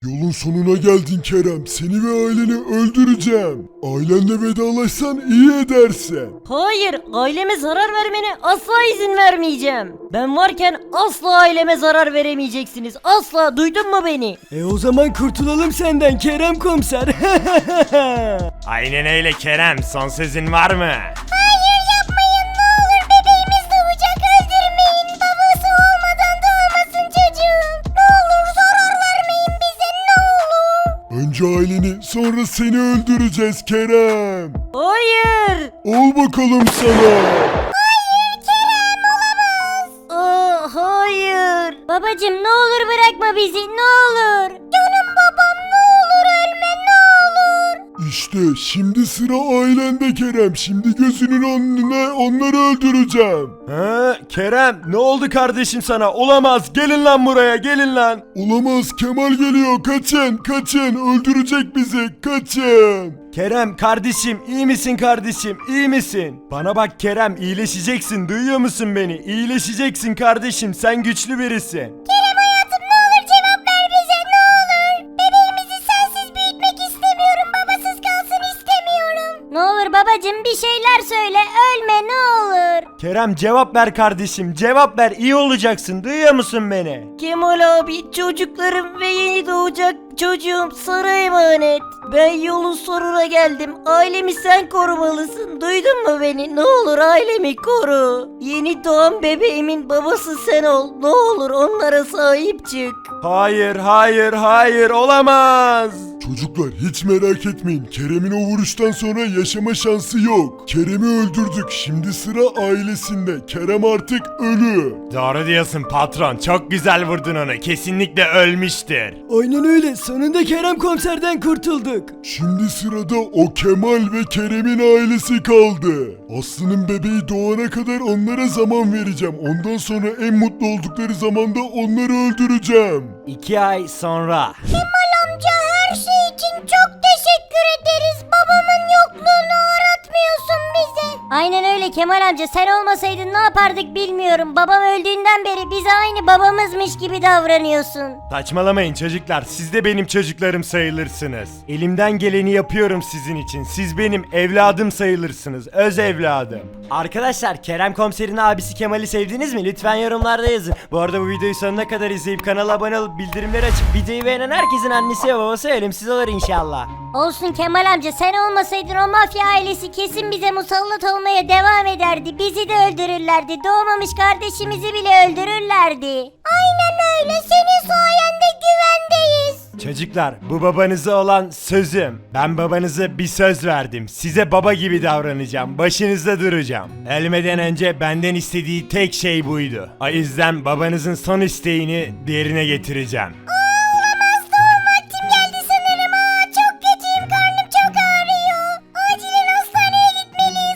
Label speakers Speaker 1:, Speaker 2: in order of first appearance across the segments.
Speaker 1: Yolun sonuna geldin Kerem. Seni ve aileni öldüreceğim. Ailenle vedalaşsan iyi edersin.
Speaker 2: Hayır, aileme zarar vermene asla izin vermeyeceğim. Ben varken asla aileme zarar veremeyeceksiniz. Asla, duydun mu beni?
Speaker 3: O zaman kurtulalım senden Kerem komiser.
Speaker 4: Aynen öyle Kerem. Son sözün var mı?
Speaker 5: Hayır yapmayın ne olur bebeğimiz doğacak öldürmeyin. Babası olmadan doğmasın çocuğum. Ne olur zarar vermeyin bize ne olur.
Speaker 1: Önce aileni sonra seni öldüreceğiz Kerem.
Speaker 2: Hayır.
Speaker 1: Ol bakalım sana.
Speaker 2: Hayır. Babacım ne olur bırakma bizi, ne olur.
Speaker 5: Canım babam ne olur ölme ne olur.
Speaker 1: İşte şimdi sıra ailende Kerem. Şimdi gözünün önüne onları öldüreceğim.
Speaker 4: Kerem ne oldu kardeşim sana? Olamaz. Gelin lan buraya gelin lan.
Speaker 1: Olamaz, Kemal geliyor. Kaçın kaçın, öldürecek bizi, kaçın.
Speaker 4: Kerem kardeşim iyi misin kardeşim iyi misin? Bana bak Kerem iyileşeceksin duyuyor musun beni? İyileşeceksin kardeşim sen güçlü birisin.
Speaker 5: Kerem hayatım ne olur cevap ver bize ne olur. Bebeğimizi sensiz büyütmek istemiyorum babasız kalsın istemiyorum.
Speaker 2: Ne olur babacım bir şeyler söyle, ölme ne olur.
Speaker 4: Kerem cevap ver kardeşim cevap ver iyi olacaksın duyuyor musun beni?
Speaker 2: Kemal abi, çocuklarım ve yeni doğacak çocuğum sana emanet. Ben yolun sonuna geldim. Ailemi sen korumalısın. Duydun mu beni? Ne olur ailemi koru. Yeni doğan bebeğimin babası sen ol. Ne olur onlara sahip çık.
Speaker 4: Hayır hayır hayır olamaz.
Speaker 1: Çocuklar hiç merak etmeyin. Kerem'in o vuruştan sonra yaşama şansı yok. Kerem'i öldürdük. Şimdi sıra ailesinde. Kerem artık ölü.
Speaker 4: Doğru diyorsun patron çok güzel vurdun onu kesinlikle ölmüştür.
Speaker 3: Aynen öyle sonunda Kerem komiserden kurtulduk.
Speaker 1: Şimdi sırada o Kemal ve Kerem'in ailesi kaldı. Aslı'nın bebeği doğana kadar onlara zaman vereceğim. Ondan sonra en mutlu oldukları zamanda onları öldüreceğim.
Speaker 4: 2 ay sonra.
Speaker 5: Kemal amca her şey için çok teşekkür ederiz. Babamın yokluğunu aratmıyorsun bize.
Speaker 2: Aynen öyle Kemal amca, sen olmasaydın ne yapardık bilmiyorum. Babam öldüğünden beri bize aynı babamızmış gibi davranıyorsun.
Speaker 4: Saçmalamayın çocuklar siz de benim çocuklarım sayılırsınız. Elimden geleni yapıyorum sizin için. Siz benim evladım sayılırsınız. Öz evladım. Arkadaşlar Kerem komiserin abisi Kemal'i sevdiniz mi? Lütfen yorumlarda yazın. Bu arada bu videoyu sonuna kadar izleyip kanala abone olup bildirimleri açıp videoyu beğenen herkesin annesi ve babası ölümsüz olur inşallah.
Speaker 2: Olsun Kemal amca, sen olmasaydın o mafya ailesi kesin bize musallat olmaya devam ederdi. Bizi de öldürürlerdi. Doğmamış kardeşimizi bile öldürürlerdi.
Speaker 5: Aynen öyle senin sayende güvendeyiz.
Speaker 4: Çocuklar bu babanıza olan sözüm. Ben babanıza bir söz verdim. Size baba gibi davranacağım. Başınızda duracağım. Ölmeden önce benden istediği tek şey buydu. O yüzden babanızın son isteğini yerine getireceğim.
Speaker 5: Olamaz doğum vaktim geldi sanırım. Çok kötüyüm karnım çok ağrıyor. Acilen hastaneye gitmeliyiz.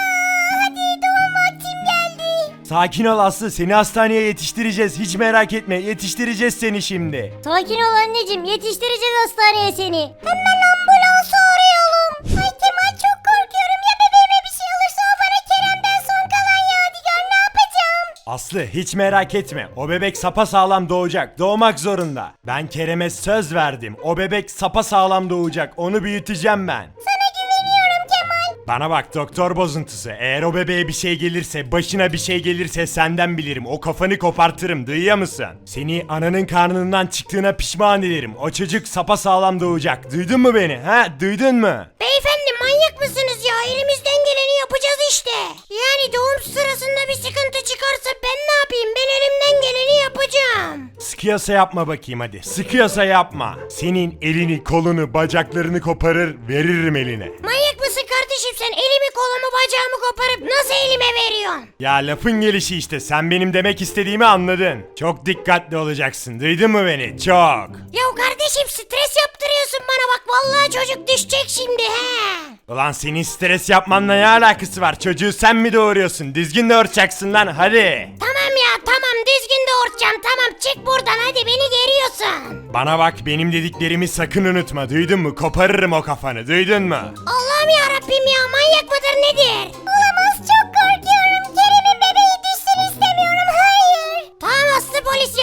Speaker 5: Hadi doğum vaktim geldi.
Speaker 4: Sakin ol Aslı seni hastaneye yetiştireceğiz. Hiç merak etme yetiştireceğiz seni şimdi.
Speaker 2: Sakin ol anneciğim, yetiştireceğiz hastaneye seni.
Speaker 5: Hemen ambulansı arayalım. Ay Kemal çok korkuyorum ya bebeğime bir şey olursa o bana Kerem'den son kalan yadigar ne yapacağım?
Speaker 4: Aslı hiç merak etme. O bebek sapasağlam doğacak. Doğmak zorunda. Ben Kerem'e söz verdim. O bebek sapasağlam doğacak. Onu büyüteceğim ben.
Speaker 5: Sana güveniyorum Kemal.
Speaker 4: Bana bak doktor bozuntusu. Eğer o bebeğe bir şey gelirse, başına bir şey gelirse senden bilirim. O kafanı kopartırım. Duyuyor musun? Seni ananın karnından çıktığına pişman ederim. O çocuk sapasağlam doğacak. Duydun mu beni? Ha? Duydun mu?
Speaker 5: Beyefendi manyak mısınız ya? Elimizden geleni yapacağız işte. Yani doğum sırasında bir sıkıntı çıkarsa ben ne yapayım? Ben elimden geleni yapacağım.
Speaker 4: Sıkıyorsa yapma bakayım hadi. Sıkıyorsa yapma. Senin elini, kolunu, bacaklarını koparır, veririm eline.
Speaker 5: Manyak mısın kardeşim sen? Elimi kolumu bacağımı koparıp nasıl elime veriyorsun?
Speaker 4: Ya lafın gelişi işte. Sen benim demek istediğimi anladın. Çok dikkatli olacaksın. Duydun mu beni? Çok.
Speaker 5: Ya kardeşim stres yaptırıyorsun bana bak vallahi çocuk düşecek şimdi he.
Speaker 4: Ulan senin stres yapmanla ne alakası var? Çocuğu sen mi doğuruyorsun? Düzgün doğuracaksın lan hadi.
Speaker 5: Tamam ya tamam düzgün doğuracağım tamam çık buradan hadi beni geriyorsun.
Speaker 4: Bana bak benim dediklerimi sakın unutma. Duydun mu? Koparırım o kafanı. Duydun mu?
Speaker 5: Allah'ım ya Rabbim ya manyak mıdır nedir? Olamaz çok korkuyorum Kerem'in bebeği düşsün istemiyorum hayır. Tamam Aslı polis ya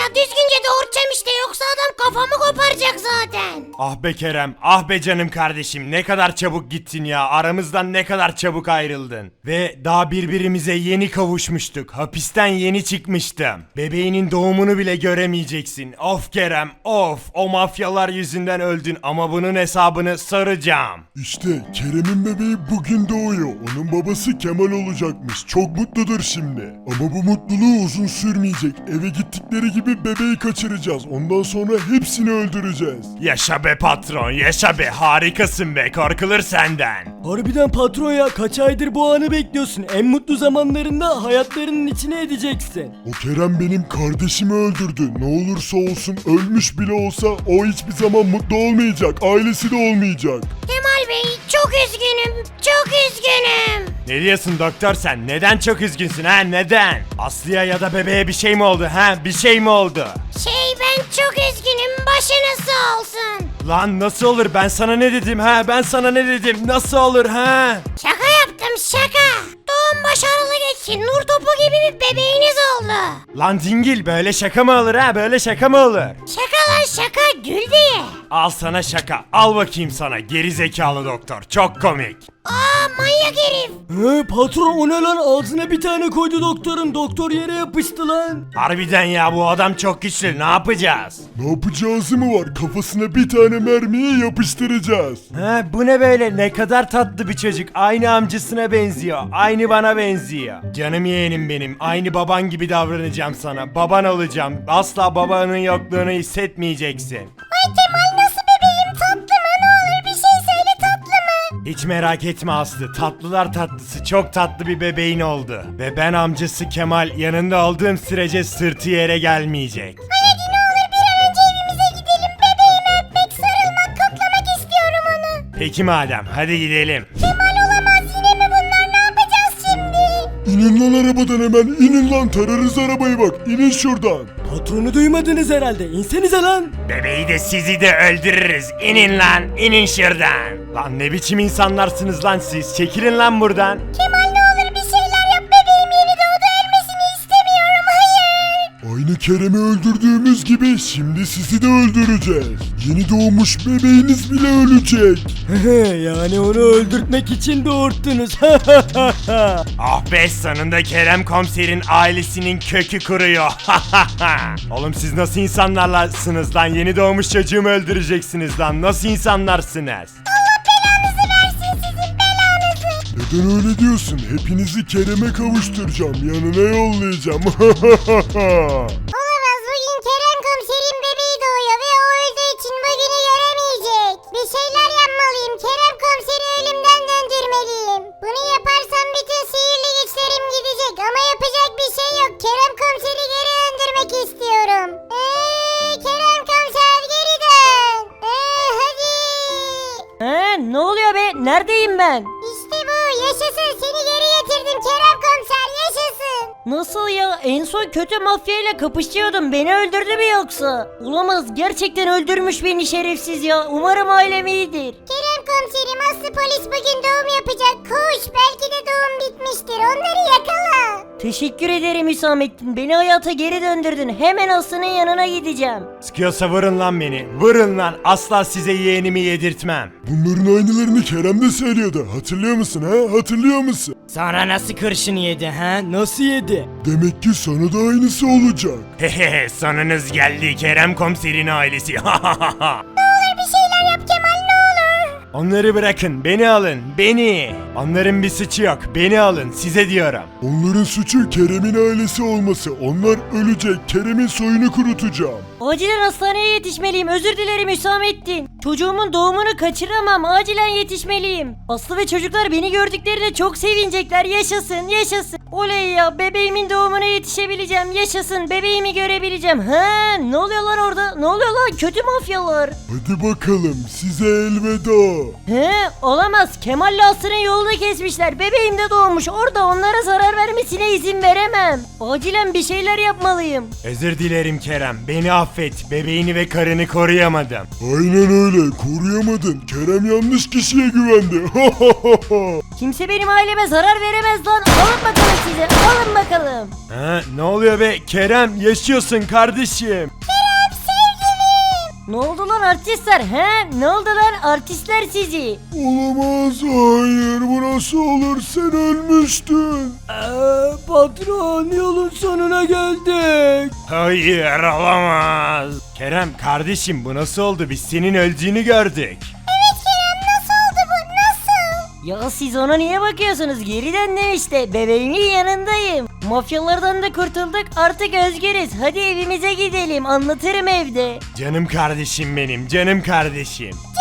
Speaker 5: ya düzgünce doğuracağım işte yoksa adam kafamı koparacak zaten.
Speaker 4: Ah be Kerem, ah be canım kardeşim, ne kadar çabuk gittin ya, aramızdan ne kadar çabuk ayrıldın. Ve daha birbirimize yeni kavuşmuştuk, hapisten yeni çıkmıştım. Bebeğinin doğumunu bile göremeyeceksin. Of Kerem, of, o mafyalar yüzünden öldün ama bunun hesabını soracağım.
Speaker 1: İşte Kerem'in bebeği bugün doğuyor. Onun babası Kemal olacakmış. Çok mutludur şimdi. Ama bu mutluluğu uzun sürmeyecek. Eve gittikleri gibi bebeği kaçıracağız. Ondan sonra hepsini öldüreceğiz.
Speaker 4: Yaşa be patron, yaşa be, harikasın be, korkulur senden.
Speaker 3: Harbiden patron ya, kaç aydır bu anı bekliyorsun. En mutlu zamanlarında hayatlarının içine edeceksin.
Speaker 1: O Kerem benim kardeşimi öldürdü. Ne olursa olsun ölmüş bile olsa o hiçbir zaman mutlu olmayacak. Ailesi de olmayacak.
Speaker 5: Kemal Bey çok üzgünüm, çok üzgünüm.
Speaker 4: Ne diyorsun doktor sen? Neden çok üzgünsün ha? Neden? Aslı'ya ya da bebeğe bir şey mi oldu ha? Bir şey mi oldu?
Speaker 5: Ben çok üzgünüm, başınız sağ olsun.
Speaker 4: Lan nasıl olur? Ben sana ne dedim ha? Ben sana ne dedim? Nasıl olur ha?
Speaker 5: Şaka yaptım şaka. Doğum başarılı geçti, nur topu gibi bir bebeğiniz oldu.
Speaker 4: Lan dingil, böyle şaka mı olur ha? Böyle şaka mı olur?
Speaker 5: Şaka lan şaka, gül diye.
Speaker 4: Al sana şaka. Al bakayım sana, geri zekalı doktor. Çok komik.
Speaker 5: Aa manyak herif.
Speaker 3: Patron, o ne lan, ağzına bir tane koydu doktorun, doktor yere yapıştı lan.
Speaker 4: Harbiden ya, bu adam çok güçlü. Ne yapacağız?
Speaker 1: Ne yapacağız mı var? Kafasına bir tane mermiyi yapıştıracağız.
Speaker 4: Ha, bu ne böyle? Ne kadar tatlı bir çocuk. Aynı amcasına benziyor. Aynı bana benziyor. Canım yeğenim benim. Aynı baban gibi davranacağım sana. Baban olacağım. Asla babanın yokluğunu hissetmeyeceksin.
Speaker 5: Ay Kemal nasıl bebeğim, tatlı mı, ne olur bir şey söyle, tatlı mı?
Speaker 4: Hiç merak etme Aslı. Tatlılar tatlısı, çok tatlı bir bebeğin oldu. Ve ben amcası Kemal yanında olduğum sürece sırtı yere gelmeyecek.
Speaker 5: Hadi ne olur bir an önce evimize gidelim, bebeğimi öpmek, sarılmak, koklamak istiyorum onu.
Speaker 4: Peki madem, hadi gidelim.
Speaker 5: Kemal olamaz yine mi bunlar, ne yapacağız şimdi?
Speaker 1: İnin lan arabadan hemen. İnin lan, tararız arabayı bak. İnin şuradan.
Speaker 3: Patronu duymadınız herhalde, insenize lan.
Speaker 4: Bebeği de sizi de öldürürüz. İnin lan, inin şuradan. Lan ne biçim insanlarsınız lan siz? Çekilin lan buradan.
Speaker 5: Kemal ne olur bir şeyler yap, bebeğim yeni doğdu, ölmesini istemiyorum, hayır.
Speaker 1: Aynı Kerem'i öldürdüğümüz gibi şimdi sizi de öldüreceğiz. Yeni doğmuş bebeğiniz bile ölecek.
Speaker 3: Yani onu öldürtmek için doğurttunuz.
Speaker 4: Ah be, sonunda Kerem komiserin ailesinin kökü kuruyor. Oğlum siz nasıl insanlarsınız lan? Yeni doğmuş çocuğumu öldüreceksiniz lan. Nasıl insanlarsınız?
Speaker 5: Belanızı versin sizin belanızı.
Speaker 1: Neden öyle diyorsun? Hepinizi Kerem'e kavuşturacağım. Yanına yollayacağım.
Speaker 5: Olamaz, bugün Kerem komiserin bebeği doğuyor ve o öldüğü için bugünü göremeyecek. Bir şeyler yapmalıyım, Kerem komiseri ölümden döndürmeliyim. Bunu yaparsam bütün sihirli güçlerim gidecek ama yapacak bir şey yok. Kerem komiseri geri döndürmek istiyorum. Kerem komiser geri dön. Hadi.
Speaker 2: Ne oluyor be? Neredeyim ben?
Speaker 5: İşte bu, yaşasın, seni geri getirdim Kerem komiser, yaşasın.
Speaker 2: Nasıl ya? En son kötü mafyayla kapışıyordum. Beni öldürdü mü yoksa? Olamaz. Gerçekten öldürmüş beni şerefsiz ya. Umarım ailem iyidir.
Speaker 5: Kerem komiserim, Aslı polis bugün doğum yapacak. Koş, belki de doğum bitmiştir. Onları yakala.
Speaker 2: Teşekkür ederim Hüsamettin. Beni hayata geri döndürdün. Hemen Aslı'nın yanına gideceğim.
Speaker 4: Sıkıyorsa vurun lan beni. Vurun lan. Asla size yeğenimi yedirtmem.
Speaker 1: Bunların aynılarını Kerem de söylüyordu. Hatırlıyor musun ha? Hatırlıyor musun?
Speaker 3: Sana nasıl kurşun yedi ha? Nasıl yedi?
Speaker 1: Demek ki sana da aynısı olacak.
Speaker 4: Hehehe, sonunuz geldi Kerem komiserin ailesi.
Speaker 5: Bir şeyler yap Kemal, ne olur.
Speaker 4: Onları bırakın, beni alın, beni. Onların bir suçu yok, beni alın, size diyorum.
Speaker 1: Onların suçu Kerem'in ailesi olması. Onlar ölecek. Kerem'in soyunu kurutacağım.
Speaker 2: Acilen hastaneye yetişmeliyim. Özür dilerim Hüsamettin. Çocuğumun doğumunu kaçıramam. Acilen yetişmeliyim. Aslı ve çocuklar beni gördüklerinde çok sevinecekler. Yaşasın, yaşasın. Oley ya, bebeğimin doğumuna yetişebileceğim. Yaşasın, bebeğimi görebileceğim. Ne oluyor lan orada? Ne oluyor lan? Kötü mafyalar.
Speaker 1: Hadi bakalım, size elveda.
Speaker 2: Olamaz. Kemal'le Aslı'nın yolunu kesmişler. Bebeğim de doğmuş. Orada onlara zarar vermesine izin veremem. Acilen bir şeyler yapmalıyım.
Speaker 4: Özür dilerim Kerem, beni affet. affet. Bebeğini ve karını koruyamadım.
Speaker 1: Aynen öyle, koruyamadın. Kerem yanlış kişiye güvendi.
Speaker 2: Kimse benim aileme zarar veremez lan. Alın bakalım size. Alın bakalım.
Speaker 4: Ha, ne oluyor be? Kerem yaşıyorsun kardeşim.
Speaker 2: Ne oldu lan artistler? He? Ne oldu lan artistler sizi?
Speaker 1: Olamaz, hayır, bu nasıl olur, sen ölmüştün.
Speaker 3: Patron yolun sonuna geldik.
Speaker 4: Hayır olamaz. Kerem kardeşim bu nasıl oldu? Biz senin öldüğünü gördük.
Speaker 2: Ya siz ona niye bakıyorsunuz? Geri döndüm işte. Bebeğimin yanındayım. Mafyalardan da kurtulduk. Artık özgürüz. Hadi evimize gidelim. Anlatırım evde.
Speaker 4: Canım kardeşim benim, canım kardeşim.